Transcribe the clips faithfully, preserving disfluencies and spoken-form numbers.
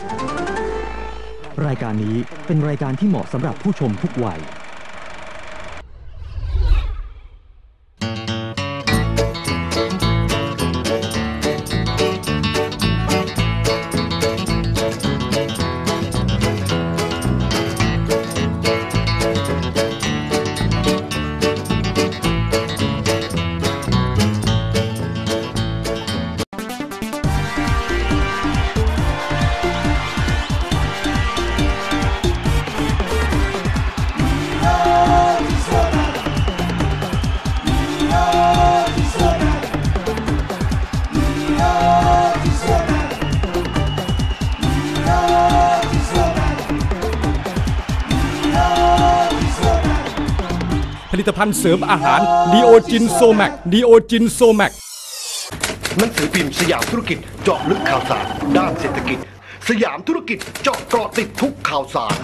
รายการนี้เป็นรายการที่เหมาะสำหรับผู้ชมทุกวัยผลิตภัณฑ์เสริมอาหารดีโอจินโซแมกดีโอจินโซแมกหนังสือพิมพ์สยามธุรกิจเจาะลึกข่าวสารด้านเศรษฐกิจสยามธุรกิจเจาะเกาะติดทุกข่าวสาร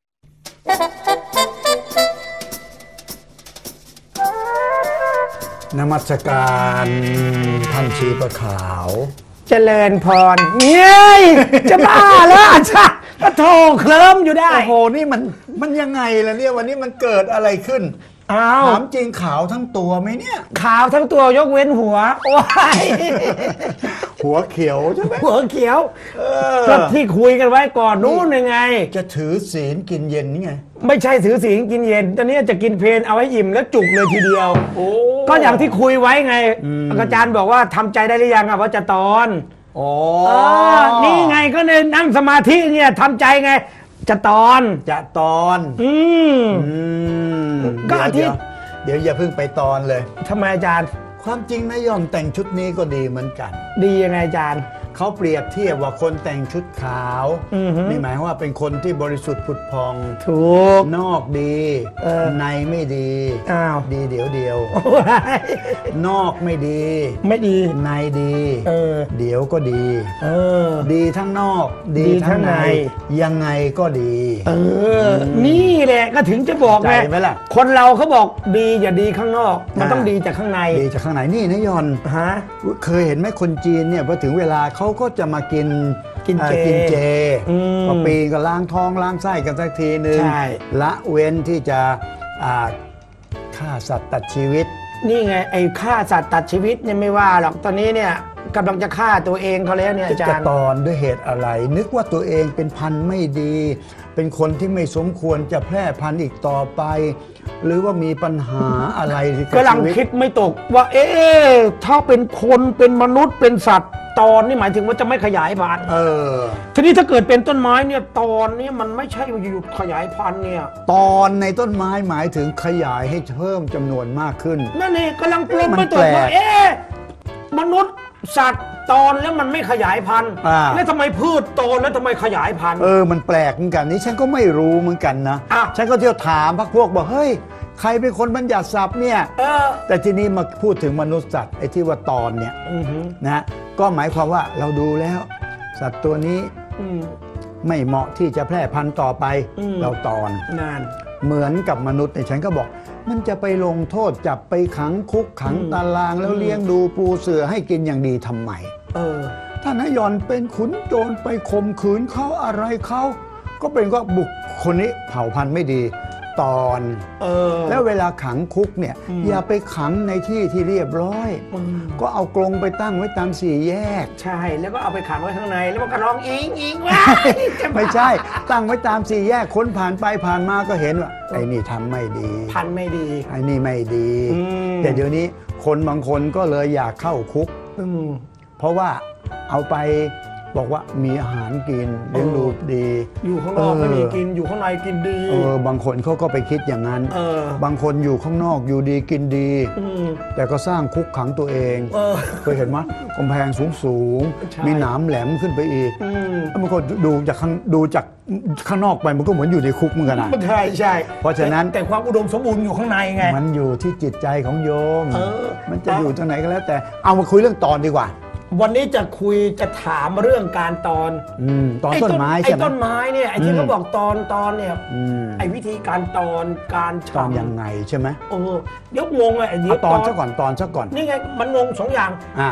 นมัสการท่านชีปะขาวเจริญพรเย้ยจะบ้าแล้วอาจารย์ก็โทรเคลิ้มอยู่ได้โอ้โหนี่มันมันยังไงล่ะเนี่ยวันนี้มันเกิดอะไรขึ้นถามจริงขาวทั้งตัวไหมเนี่ยขาวทั้งตัวยกเว้นหัวโอ้ยหัวเขียวใช่ไหมหัวเขียวก็ที่คุยกันไว้ก่อนนู้นยังไงจะถือศีลกินเย็นนี่ไงไม่ใช่ถือศีลกินเย็นตอนนี้จะกินเพลนเอาไว้อิ่มแล้วจุกเลยทีเดียวก็อย่างที่คุยไว้ไงอาจารย์บอกว่าทำใจได้หรือยังอะว่าจะตอนอ๋อนี่ไงก็เลยนั่งสมาธิเนี่ยทำใจไงจะตอนจะตอนอืมก็อาทิตย์เดี๋ยวอย่าเพิ่งไปตอนเลยทำไมอาจารย์ความจริงนะยอมแต่งชุดนี้ก็ดีเหมือนกันดียังไงอาจารย์เขาเปรียบเทียบว่าคนแต่งชุดขาวนี่หมายว่าเป็นคนที่บริสุทธิ์ผุดพองถูกนอกดีในไม่ดีอ้าวดีเดี๋ยวเดียวนอกไม่ดีไม่ดีในดีเออเดี๋ยวก็ดีเออดีทั้งนอกดีทั้งในยังไงก็ดีเออนี่แหละก็ถึงจะบอกไงคนเราเขาบอกดีอย่าดีข้างนอกมันต้องดีจากข้างในดีจากข้างในนี่นะยอนฮะเคยเห็นไหมคนจีนเนี่ยพอถึงเวลาเขาก็จะมากินกินเจกินเจพอปีก็ล้างท้องล้างไส้กันสักทีนึงละเว้นที่จะฆ่าสัตว์ตัดชีวิตนี่ไงไอ้ฆ่าสัตว์ตัดชีวิตเนี่ยไม่ว่าหรอกตอนนี้เนี่ยกำลังจะฆ่าตัวเองเขาแล้วเนี่ยอาจารย์จะตอนด้วยเหตุอะไรนึกว่าตัวเองเป็นพันธุ์ไม่ดีเป็นคนที่ไม่สมควรจะแพร่พันธุ์อีกต่อไปหรือว่ามีปัญหาอะไรกำลังคิดไม่ตกว่าเอ๊ะถ้าเป็นคนเป็นมนุษย์เป็นสัตว์ตอนนี่หมายถึงว่าจะไม่ขยายพันธุ์เออทีนี้ถ้าเกิดเป็นต้นไม้เนี่ยตอนนี้มันไม่ใช่หยุดขยายพันธุ์เนี่ยตอนในต้นไม้หมายถึงขยายให้เพิ่มจำนวนมากขึ้นนั่นเองกำลังปลงไม่ตกว่าเอ๊ะมนุษย์สัตว์ตอนแล้วมันไม่ขยายพันธุ์แล้วทำไมพืชโตแล้วทำไมขยายพันธุ์เออมันแปลกเหมือนกันนี่ฉันก็ไม่รู้เหมือนกันนะฉันก็เที่ยวถามพรรคพวกบอกเฮ้ยใครเป็นคนบัญญัติศัพท์เนี่ยแต่ทีนี้มาพูดถึงมนุษย์สัตว์ไอ้ที่ว่าตอนเนี่ยนะก็หมายความว่าเราดูแล้วสัตว์ตัวนี้ไม่เหมาะที่จะแพร่พันธุ์ต่อไปเราตอนนานเหมือนกับมนุษย์ในฉันก็บอกมันจะไปลงโทษจับไปขังคุกขังตารางแล้วเลี้ยงดูปูเสือให้กินอย่างดีทำไมเออถ้านายยอนเป็นขุนโจรไปข่มขืนเขาอะไรเขาก็เป็นว่าบุคคลนี้เผ่าพันธุ์ไม่ดีตอนเออแล้วเวลาขังคุกเนี่ยอย่าไปขังในที่ที่เรียบร้อยก็เอากรงไปตั้งไว้ตามสี่แยกใช่แล้วก็เอาไปขังไว้ข้างในแล้วมันก็ร้องอิงอิงว่าไม่ใช่ตั้งไว้ตามสี่แยกคนผ่านไปผ่านมาก็เห็นว่าไอ้นี่ทำไม่ดีพันไม่ดีไอ้นี่ไม่ดีแต่เดี๋ยวนี้คนบางคนก็เลยอยากเข้าคุกเพราะว่าเอาไปบอกว่ามีอาหารกินเลี้ยงดูดีอยู่ข้างนอกไม่มีกินอยู่ข้างในกินดีเออบางคนเขาก็ไปคิดอย่างนั้นบางคนอยู่ข้างนอกอยู่ดีกินดีแต่ก็สร้างคุกขังตัวเองเคยเห็นไหมกำแพงสูงสูงมีหนามแหลมขึ้นไปอีกแล้วมันก็ดูจากข้างดูจากข้างนอกไปมันก็เหมือนอยู่ในคุกเหมือนกันนะใช่ใช่เพราะฉะนั้นแต่ความอุดมสมบูรณ์อยู่ข้างในไงมันอยู่ที่จิตใจของโยมมันจะอยู่ตรงไหนก็แล้วแต่เอามาคุยเรื่องตอนดีกว่าวันนี้จะคุยจะถามเรื่องการตอนตอนต้นไม้ใช่ไหมไอ้ต้นไม้เนี่ยไอ้ที่เขาบอกตอนตอนเนี่ยไอ้วิธีการตอนการตอนยังไงใช่ไหมเออเดี๋ยวงงเลยเดี๋ยวตอนซะก่อนตอนซะก่อนนี่ไงมันงงสองอย่างอ่า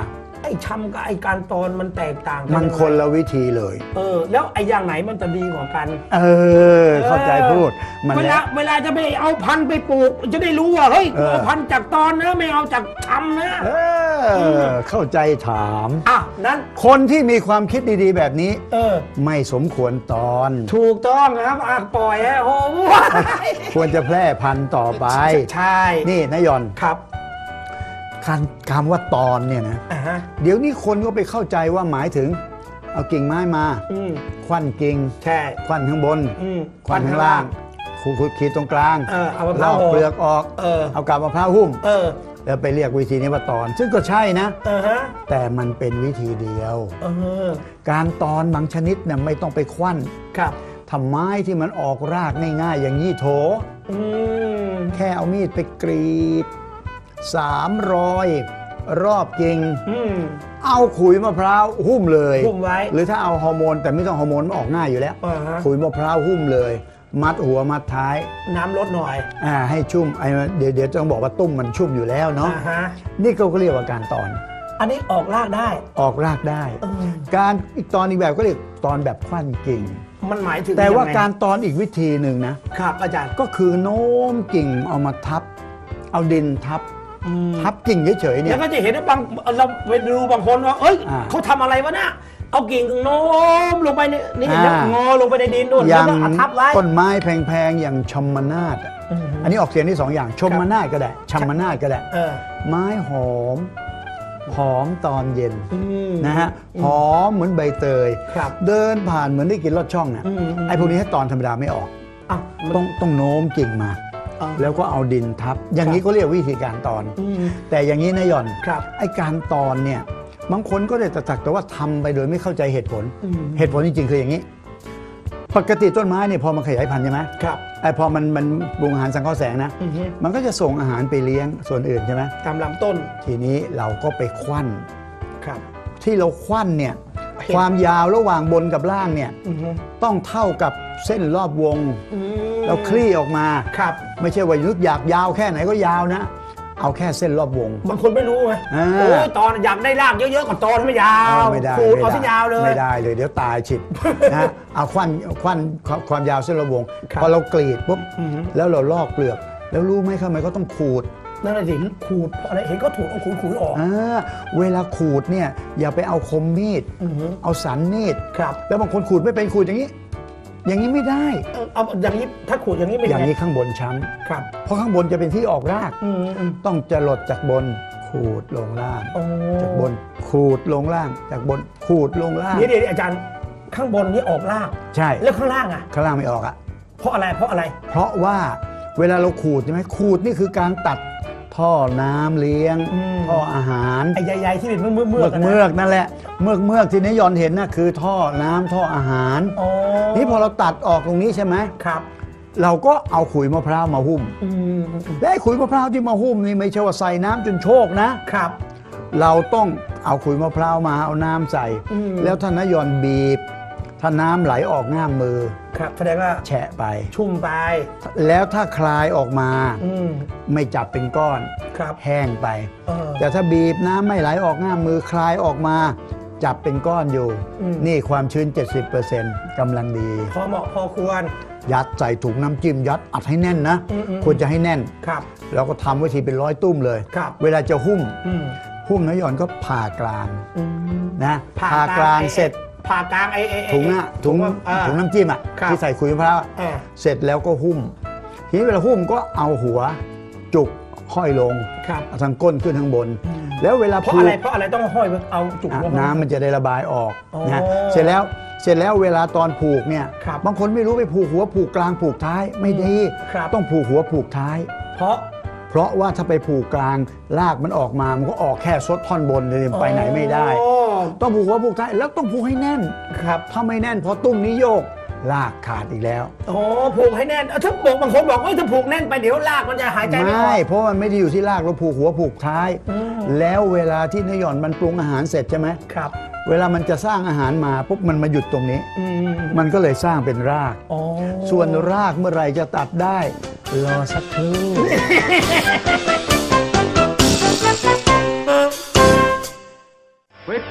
อ้ชำกับไอ้การตอนมันแตกต่างกัมันคนละวิธีเลยเออแล้วไอ้อย่างไหนมันจะดีกว่ากันเออ เข้าใจพูดมันเวแหลาละเวลาจะไปเอาพันธุ์ไปปลูก จะได้รู้ว่าเฮ้ยเออเอาพันธุ์จากตอนนะไม่เอาจากชำนะเออ เข้าใจถามอ่ะนั้นคนที่มีความคิดดีๆ แบบนี้เออไม่สมควรตอนถูกต้องครับอ่ะปล่อยให้โอ้โหควรจะแพร่พันธุ์ต่อไปใช่นี่นายยอนครับคำคำว่าตอนเนี่ยนะอ่าฮะเดี๋ยวนี้คนก็ไปเข้าใจว่าหมายถึง เอากิ่งไม้มาอืมควันกิ่งใช่ควันข้างบนอืมควันข้างล่างขูดขีดตรงกลางเออเอามะพลร้าวอกห่อเปลือกออกเออเอากาบมะพร้าวหุ้มเออแล้วไปเรียกวิธีนี้ว่าตอน ซึ่งก็ใช่นะเออฮะแต่มันเป็นวิธีเดียวเออการตอนบางชนิดเนี่ยไม่ต้องไปควันครับทำไม้ที่มันออกรากง่ายๆ อย่างยี่โถอืมแค่เอามีดไปกรีดสามรอยรอบกิ่งอืมเอาขุยมะพร้าวหุ้มเลยหุ้มไว้หรือถ้าเอาฮอร์โมนแต่ไม่ต้องฮอร์โมนมันออกง่ายอยู่แล้วอ่าฮะขุยมะพร้าวหุ้มเลย มัดหัวมัดท้ายน้ำลดหน่อยอ่าให้ชุ่มไอ้เดี๋ยวเดี๋ยวต้องบอกว่าตุ้มมันชุ่มอยู่แล้วเนาะอ่าฮะนี่ก็เรียกว่าการตอนอันนี้ออกรากได้ออกรากได้เออการอีกตอนอีกแบบก็เรียกตอนแบบควันกิ่งมันหมายถึงแต่ว่ายังไงการตอนอีกวิธีหนึ่งนะครับอาจารย์ก็คือโน้มกิ่งเอามาทับ เอาดินทับอืมทับกิ่งเฉยๆเนี่แล้ยวก็จะเห็นว่าบางเราไปดูบางคนว่า เอ้ยอ่าเขาทำอะไรวะน่ะเอากิ่งโน้มลงไปในนี่อ่าแล้วงอลงไปในดินนู่นอแล้วย่างก็เอาทับไว้ต้นไม้แพงๆ อย่างชมนาฏอะอืมอันนี้ออกเสียงที่สองอย่างชมนาฏก็ได้ชมนาฏก็ได้เออไม้หอม หอมตอนเย็นอืมนะฮะหอมเหมือนใบเตยครับเดินผ่านเหมือนได้กินลอดช่องน่ะอืมอืมไอ้พวกนี้ให้ตอนธรรมดาไม่ออกอ่ะมันต้องต้องโน้มกิ่งมาอ่าแล้วก็เอาดินทับ อย่างนี้ก็เรียกวิธีการตอนอืมแต่อย่างนี้นะหย่อนครับไอ้การตอนเนี่ยบางคนก็ได้แต่สักแต่ว่าทำไปโดยไม่เข้าใจเหตุผลอืมเหตุผลจริงๆคืออย่างนี้ ปกติต้นไม้เนี่ยพอมันขยายพันธุ์ใช่ไหมครับไอ้พอมันมันปรุงอาหารสังเคราะห์แสงนะอือฮึมันก็จะส่งอาหารไปเลี้ยงส่วนอื่นใช่ไหมตามลำต้นทีนี้เราก็ไปควันครับที่เราควันเนี่ยเห็นความยาวระหว่างบนกับล่างเนี่ยอือฮึต้องเท่ากับเส้นรอบวงอืมเราคลี่ออกมาครับไม่ใช่ว่านึกอยากยาวแค่ไหนก็ยาวนะ เอาแค่เส้นรอบวงบางคนไม่รู้ไงอ่าโอ้ยตอนอยากได้รากเยอะๆก่อนตอนไม่ยาวไม่ได้ขูดเอาไม่ที่ได้ยาวเลยไม่ได้เลยเดี๋ยวตายฉิบ นะเอาควันควันความยาวเส้นรอบวงครับพอเรากรีดปุ๊บอือฮึแล้วเราลอกเปลือก แล้วรู้ไหมทำไมเขาต้องขูดนั่นแหละสิขูดเพราะอะไรเห็นก็ถูกเอาขูดขูดออกอ่าเวลาขูดเนี่ยอย่าไปเอาคมมีดอือฮึเอาสันมีดครับแล้วบางคนขูดไม่เป็นขูดอย่างนี้ อย่างนี้ไม่ได้เอาเอาอย่างนี้ถ้าขูดอย่างนี้เป็นอย่างไงนี้ข้างบนช้ครับำเพราะข้างบนจะเป็นที่ออกรากอืมอืมต้องจะหลดจากบนขูดลงล่างโอ้จากบนขูดลงล่าง จากบนขูดลงล่างเดี๋ยวเดี๋ยวอาจารย์ข้างบนนี่ออกรากใช่แล้วข้างล่างอ่ะข้างล่างไม่ออกอะเพราะอะไรเพราะอะไรเพราะว่าเวลาเราขูดใช่ไหมขูดนี่คือการตัดท่อน้ำเลี้ยงอืมท่ออาหารไอ้ใหญ่ๆที่เป็นเมือกเมือกเมือกะนะเมือกนั่นแหละเมือกเมือกที่นายยอนเห็นน่ะคือท่อน้ำท่ออาหารอ๋อนี่พอเราตัดออกตรงนี้ใช่ไหมครับเราก็เอาขุยมะพร้าวมาหุ้มอืมอืมอืมและไอ้ขุยมะพร้าวที่มาหุ้มนี่ไม่ใช่ว่าใส่น้ำจนโชกนะครับเราต้องเอาขุยมะพร้าวมาเอาน้ำใส่อืมแล้วถ้านายยอนบีบ ถ้าน้ำไหลออกง่ามมือครับแสดงว่าแฉะไปชุ่มไปแล้วถ้าคลายออกมาอืมไม่จับเป็นก้อนครับแห้งไปเออแต่ถ้าบีบน้ำไม่ไหลออกง่ามมือคลายออกมา จับเป็นก้อนอยู่อืมนี่ความชื้น เจ็ดสิบเปอร์เซ็นต์ กำลังดีพอเหมาะพอควรยัดใส่ถุงน้ำจิ้มยัดอัดให้แน่นนะอืมอืมควรจะให้แน่นครับแล้วก็ทำไว้ทีเป็นร้อยตุ้มเลยครับเวลาจะหุ้มอืมหุ้มน้อยหย่อนก็ผ่ากลางอืมนะผ่ากลางไอ้เสร็จผ่ากลางไอ้ไอ้ไอ้ถุงอะถุงอ่าถุงน้ำจิ้มอะครับที่ใส่ขุยมะพร้าวอะอ่าเสร็จแล้วก็หุ้ม ทีนี้เวลาหุ้มก็เอาหัวจุกห้อยลงครับเอาทางก้นขึ้นทางบน แล้วเวลาเพราะผูอะไรกเพราะอะไรต้องห้อยไว้เอาจุกอ่ะลงน้ำมันจะได้ระบายออกอ๋อนะเสร็จแล้วเสร็จแล้วเวลาตอนผูกเนี่ยครับบางคนไม่รู้ไปผูกหัวผูกกลางผูกท้ายไม่ดีครับต้องผูกหัวผูกท้ายเพราะเพราะว่าถ้าไปผูกกลางลากมันออกมามันก็ออกแค่ซดท่อนบนเลยไปไหนไม่ได้โอ้ต้องผูกหัวผูกท้ายแล้วต้องผูกให้แน่นครับถ้าไม่แน่นพอตุ้มนี้โยกลากขาดอีกแล้วโอ้ผูกให้แน่นเอาถ้าบอกบางคนบอกว่าถ้าผูกแน่นไปเดี๋ยวลากมันจะหายใจไม่อไม่อกเพราะมันไม่ได้อยู่ที่ลากเราผูกหัวผูกท้ายอืมแล้วเวลาที่นายหย่อนมันปรุงอาหารเสร็จใช่ไหมครับเวลามันจะสร้างอาหารมาปุ๊บมันมาหยุดตรงนี้อืมมันก็เลยสร้างเป็นรากอ๋อส่วนรากเมื่อไหรจะตัดได้ รอสักครู่ค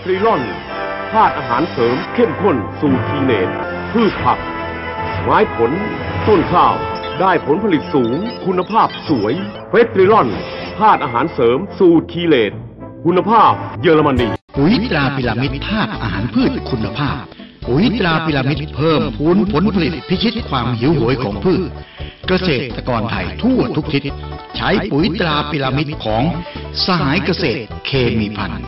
ตรีลอนธาตุอาหารเสริมเข้มข้นสูตรทีเนตพืชผักไม้ผลต้นข้าวได้ผลผลิตสูงคุณภาพสวยเฟสตรีลอนธาตุอาหารเสริมสูตรทีเลตคุณภาพเยอรมนีปุ๋ยตราพิรามิดธาตุอาหารพืชคุณภาพปุ๋ยตราพิรามิดเพิ่มพูนผลผลิตพิชิตความหิวโหยของพืชเกษตรกรไทยทั่วทุกทิศใช้ปุ๋ยตราพิรามิดของสหายเกษตรเคมีพันธุ์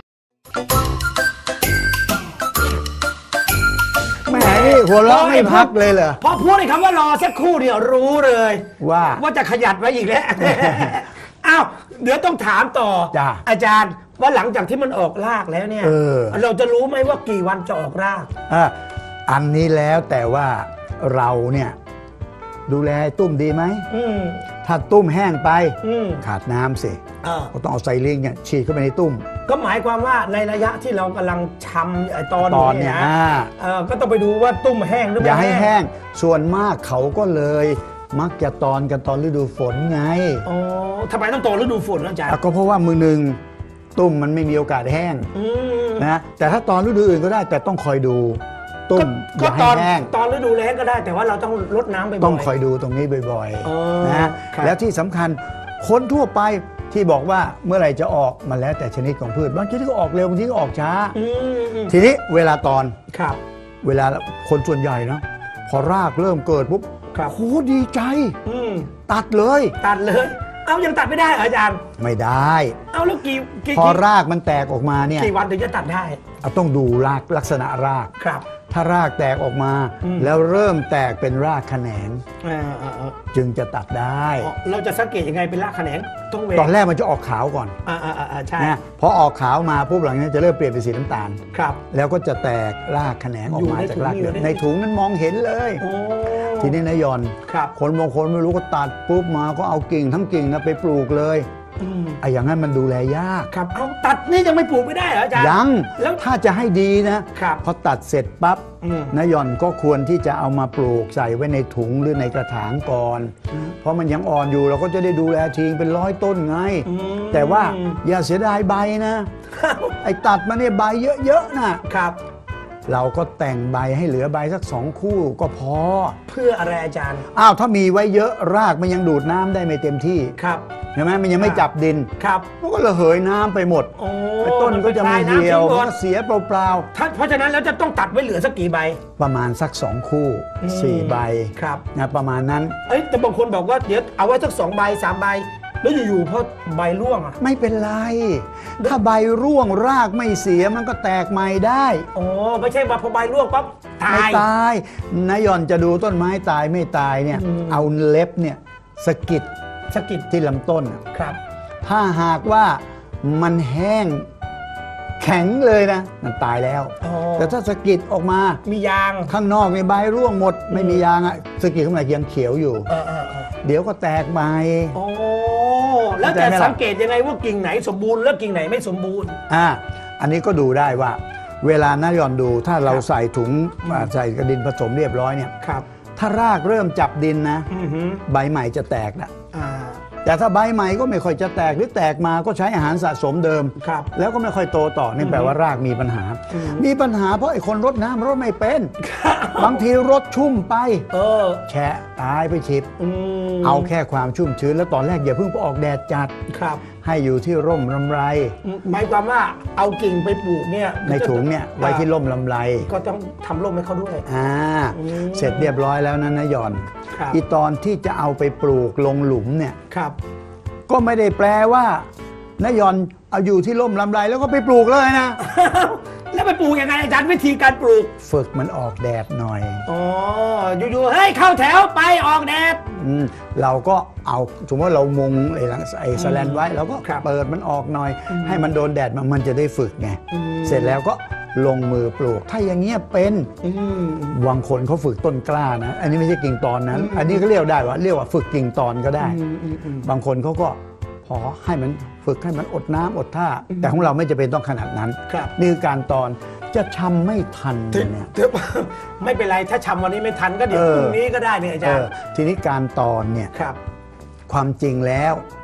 แหมนี่หัวเราะไม่พักเลยเหรอพอพูดในคำว่ารอสักครู่เดียวรู้เลยว่าว่าจะขยัดไว้อีกแล้ว อ้าวเดี๋ยวต้องถามต่ออาจารย์ว่าหลังจากที่มันออกรากแล้วเนี่ยเออเราจะรู้ไหมว่ากี่วันจะออกรากอ่ะอันนี้แล้วแต่ว่าเราเนี่ยดูแลตุ้มดีไหมถ้าตุ้มแห้งไปขาดน้ำสิก็ต้องเอาไซลิงเนี่ยฉีดเข้าไปในตุ้มก็หมายความว่าในระยะที่เรากำลังชำตอนตอนเนี่ยก็ต้องไปดูว่าตุ้มแห้งหรือไม่อย่าให้แห้งส่วนมากเขาก็เลยมักจะตอนกันตอนฤดูฝนไงอ๋อทำไมต้องตอนฤดูฝนอาจารย์ก็เพราะว่ามือหนึ่งตุ้มมันไม่มีโอกาสแห้งนะแต่ถ้าตอนฤดูอื่นก็ได้แต่ต้องคอยดูตุ้มอย่าให้แห้งตอนฤดูแล้งก็ได้แต่ว่าเราต้องรดน้ำบ่อยๆต้องคอยดูตรงนี้บ่อยๆนะแล้วที่สำคัญคนทั่วไปที่บอกว่าเมื่อไหร่จะออกมันแล้วแต่ชนิดของพืชบางชนิดก็ออกเร็วบางชนิดก็ออกช้าทีนี้เวลาตอนครับเวลาคนส่วนใหญ่นะพอรากเริ่มเกิดปุ๊บโหดีใจตัดเลยตัดเลยเอายังตัดไม่ได้อาจารย์ไม่ได้เอาแล้วกี่พอรากมันแตกออกมาเนี่ยกี่วันถึงจะตัดได้เอาต้องดูรากลักษณะรากครับถ้ารากแตกออกมาแล้วเริ่มแตกเป็นรากแขนงจึงจะตัดได้เราจะสังเกตยังไงเป็นรากแขนงต้องเวตอนแรกมันจะออกขาวก่อนอ่าอ่าใช่นะพอออกขาวมาปุ๊บหลังนี้จะเริ่มเปลี่ยนเป็นสีน้ำตาลครับแล้วก็จะแตกรากแขนงออกมาจากรากในถุงนั้นมองเห็นเลยทีนี้นายยอนคนบางคนไม่รู้ก็ตัดปุ๊บมาก็เอากิ่งทั้งกิ่งนะไปปลูกเลยไอ้อย่างนั้นมันดูแลยากครับเอาตัดนี่ยังไม่ปลูกไม่ได้เหรออาจารย์ยังแล้วถ้าจะให้ดีนะพอตัดเสร็จปั๊บนายยอนก็ควรที่จะเอามาปลูกใส่ไว้ในถุงหรือในกระถางก่อนเพราะมันยังอ่อนอยู่เราก็จะได้ดูแลทิ้งเป็นร้อยต้นไงแต่ว่าอย่าเสียดายใบนะไอ้ตัดมาเนี่ยใบเยอะๆนะครับเราก็แต่งใบให้เหลือใบสักสองคู่ก็พอเพื่ออะไรอาจารย์อ้าวถ้ามีไว้เยอะรากมันยังดูดน้ำได้ไม่เต็มที่ครับใช่ไหมมันยังไม่จับดินครับมันก็ระเหยน้ำไปหมดต้นก็จะไม่เหี่ยวก็เสียเปล่าๆเพราะฉะนั้นแล้วจะต้องตัดไว้เหลือสักกี่ใบประมาณสักสองคู่สี่ใบครับนะประมาณนั้นเอ้ยแต่บางคนบอกว่าเดี๋ยวเอาไว้สักสองใบสามใบแล้วอยู่ๆพอใบร่วงอ่ะไม่เป็นไรถ้าใบร่วงรากไม่เสียมันก็แตกใหม่ได้อ๋อไม่ใช่ว่าพอใบร่วงปั๊บตายไม่ตายนายยอนจะดูต้นไม้ตายไม่ตายเนี่ยเอาเล็บเนี่ยสะกิดสะกิดที่ลำต้นครับถ้าหากว่ามันแห้งแข็งเลยนะมันตายแล้วแต่ถ้าสะกิดออกมามียางข้างนอกในใบร่วงหมดไม่มียางอ่ะสะกิดข้างในยังเขียวอยู่เดี๋ยวก็แตกใหม่โอ้แล้วจะสังเกตยังไงว่ากิ่งไหนสมบูรณ์แล้วกิ่งไหนไม่สมบูรณ์อ่าอันนี้ก็ดูได้ว่าเวลานายอนดูถ้าเราใส่ถุงใส่กระดินผสมเรียบร้อยเนี่ยถ้ารากเริ่มจับดินนะใบใหม่จะแตกนะแต่ถ้าใบใหม่ก็ไม่ค่อยจะแตกหรือแตกมาก็ใช้อาหารสะสมเดิมแล้วก็ไม่ค่อยโตต่อนี่แปลว่ารากมีปัญหามีปัญหาเพราะไอ้คนรดน้ำรดไม่เป็นบางทีรดชุ่มไปแฉะตายไปฉิบเอาแค่ความชุ่มชื้นแล้วตอนแรกอย่าเพิ่งไปออกแดดจัดให้อยู่ที่ร่มลำไรหมายความว่าเอากิ่งไปปลูกเนี่ยในถุงเนี่ยไว้ที่ร่มลำไรก็ต้องทำร่มให้เขาด้วยอ่าเสร็จเรียบร้อยแล้วนะนายยอนอีตอนที่จะเอาไปปลูกลงหลุมเนี่ยก็ไม่ได้แปลว่านายยอนเอาอยู่ที่ร่มลำไรแล้วก็ไปปลูกเลยนะแล้วไปปลูกยังไงอาจารย์วิธีการปลูกฝึกมันออกแดดหน่อยอ๋ออยู่ๆเฮ้ยเข้าแถวไปออกแดดอืมเราก็เอาสมมติว่าเรามุงไอ้หลังไอ้สแลนไว้เราก็เปิดมันออกหน่อยให้มันโดนแดดมันมันจะได้ฝึกไงเสร็จแล้วก็ลงมือปลูกถ้าอย่างเงี้ยเป็นบางคนเขาฝึกต้นกล้านะอันนี้ไม่ใช่กิ่งตอนนั้นอันนี้ก็เรียกได้ว่าเรียกว่าฝึกกิ่งตอนก็ได้บางคนเขาก็พอให้มันฝึกให้มันอดน้ำอดท่าแต่ของเราไม่จะเป็นต้องขนาดนั้นนี่คือการตอนจะชำไม่ทันเนี่ยไม่เป็นไรถ้าชำวันนี้ไม่ทันก็เดี๋ยวพรุ่งนี้ก็ได้เนี่ยอาจารย์ทีนี้การตอนเนี่ยความจริงแล้ว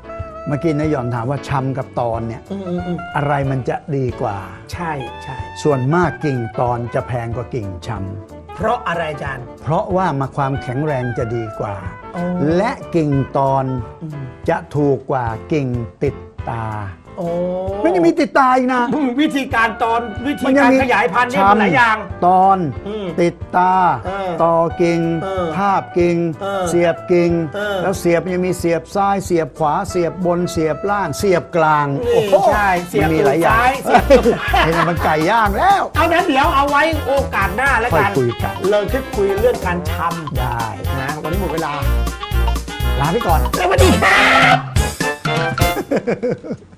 เมื่อกี้นายหย่อนถามว่าชำกับตอนเนี่ยอืมอืมอืมอะไรมันจะดีกว่าใช่ใช่ส่วนมากกิ่งตอนจะแพงกว่ากิ่งชเพราะอะไรอาจารย์ำเพราะว่ามาความแข็งแรงจะดีกว่าอ๋อและกิ่งตอนอืมจะถูกกว่ากิ่งติดตาโอ้ไม่ได้มีติดตาอีกนะวิธีการตอนวิธีมันยัการมีขยายพันธุ์เนี่ยมันหลายอย่างตอนอืมติดตาเออต่อกิ่งเออทาบกิ่งเออเสียบกิ่งเออแล้วเสียบยังมีเสียบซ้ายเสียบขวาเสียบบนเสียบล่างเสียบกลางนี่โอ้โหใช่เสียบมันมีหลายอย่างตูดซ้ายเสียบตูดเห็นไหมมันไก่ย่างแล้วเอานั้นเดี๋ยวเอาไว้โอกาสหน้าแล้วกันค่อยคุยกันเราคิดคุยเรื่องการทได้ำนะวันนี้หมดเวลาลาไปก่อนสวัสดีครับ